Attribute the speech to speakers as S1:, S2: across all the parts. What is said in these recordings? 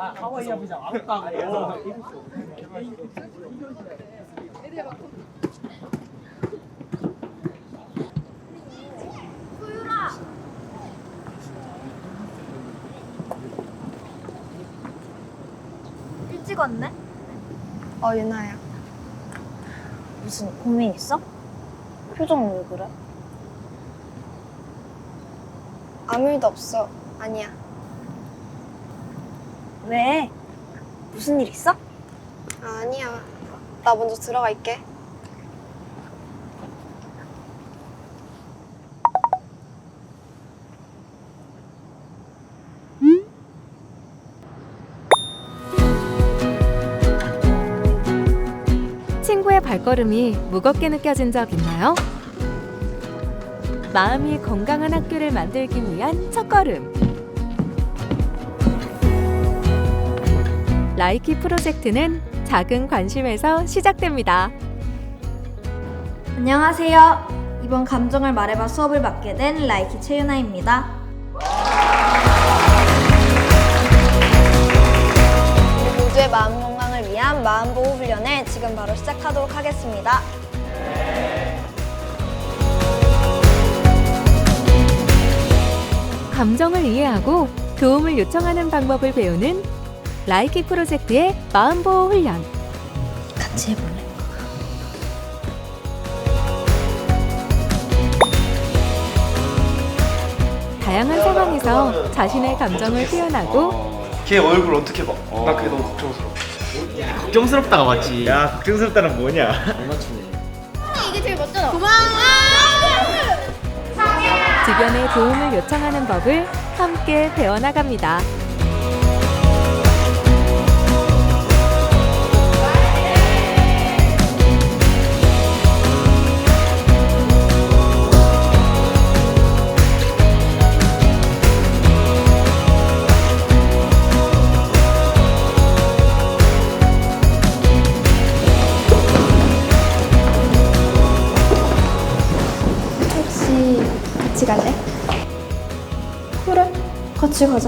S1: 하와이안 피자 아름다워.
S2: 일찍 왔네?
S3: 유나야.
S2: 무슨 고민 있어? 표정 왜 그래?
S3: 아무 일도 없어. 아니야.
S2: 왜? 무슨 일 있어?
S3: 아니야. 나 먼저 들어갈게.
S4: 친구의 발걸음이 무겁게 느껴진 적 있나요? 마음이 건강한 학교를 만들기 위한 첫걸음. 라이키 프로젝트는 작은 관심에서 시작됩니다.
S2: 안녕하세요. 이번 감정을 말해봐 수업을 맡게 된 라이키 최유나입니다.
S3: 우리 모두의 마음 건강을 위한 마음보호 훈련을 지금 바로 시작하도록 하겠습니다.
S4: 감정을 이해하고 도움을 요청하는 방법을 배우는 라이키 프로젝트의 마음보호 훈련.
S2: 같이 해볼래?
S4: 다양한 상황에서 자신의 감정을 표현하고
S5: 걔 얼굴 어떻게 봐? 나 그게 너무 걱정스러워.
S6: 걱정스럽다가 맞지.
S7: 야, 걱정스럽다는 뭐냐?
S4: 주변의 도움을 요청하는 법을 함께 배워나갑니다.
S3: 혹시 같이 갈래?
S2: 그래, 같이 가자.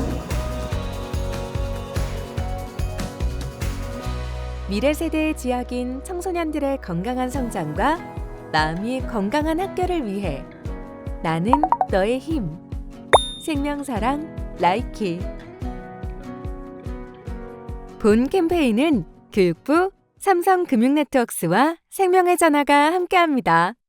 S4: 미래 세대의 지향인 청소년들의 건강한 성장과 마음이 건강한 학교를 위해 나는 너의 힘. 생명사랑 라이키. 본 캠페인은 교육부, 삼성금융네트워크스와 생명의 전화가 함께합니다.